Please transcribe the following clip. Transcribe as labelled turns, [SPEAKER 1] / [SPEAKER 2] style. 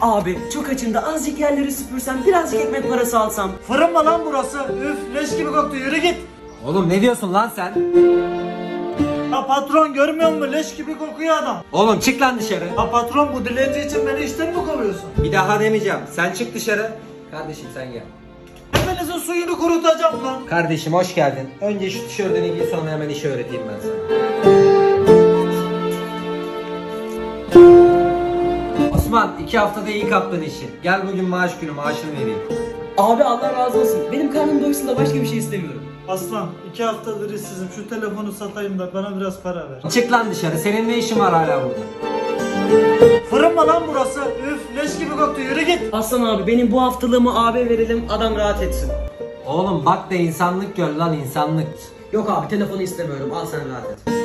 [SPEAKER 1] Abi çok açım da azıcık yerleri süpürsem, birazcık ekmek parası alsam.
[SPEAKER 2] Fırın mı lan burası? Üf, leş gibi koktu, yürü git.
[SPEAKER 3] Oğlum ne diyorsun lan sen?
[SPEAKER 2] Ya patron, görmüyor musun? Leş gibi kokuyor adam.
[SPEAKER 3] Oğlum çık lan dışarı.
[SPEAKER 2] Ya patron, bu dilenci için beni işten mi kovuyorsun?
[SPEAKER 3] Bir daha demeyeceğim. Sen çık dışarı. Kardeşim sen gel.
[SPEAKER 2] Hepinizin suyunu kurutacağım lan.
[SPEAKER 3] Kardeşim hoş geldin. Önce şu tişörtünü giy, sonra hemen işi öğreteyim ben sana. Osman 2 haftada iyi kaptın işi. Gel bugün maaş günü, maaşını vereyim.
[SPEAKER 1] Abi Allah razı olsun. Benim karnım doysun da başka bir şey istemiyorum.
[SPEAKER 2] Aslan, 2 haftadır işsizim. Şu telefonu satayım da bana biraz para ver.
[SPEAKER 3] Çık lan dışarı. Senin ne işin var hala burada?
[SPEAKER 2] Fırın mı lan burası? Üf, leş gibi koktu, yürü git.
[SPEAKER 1] Aslan abi, benim bu haftalığımı abi verelim, adam rahat etsin.
[SPEAKER 3] Oğlum bak da insanlık gör lan, insanlık.
[SPEAKER 1] Yok abi, telefonu istemiyorum, al sen rahat et.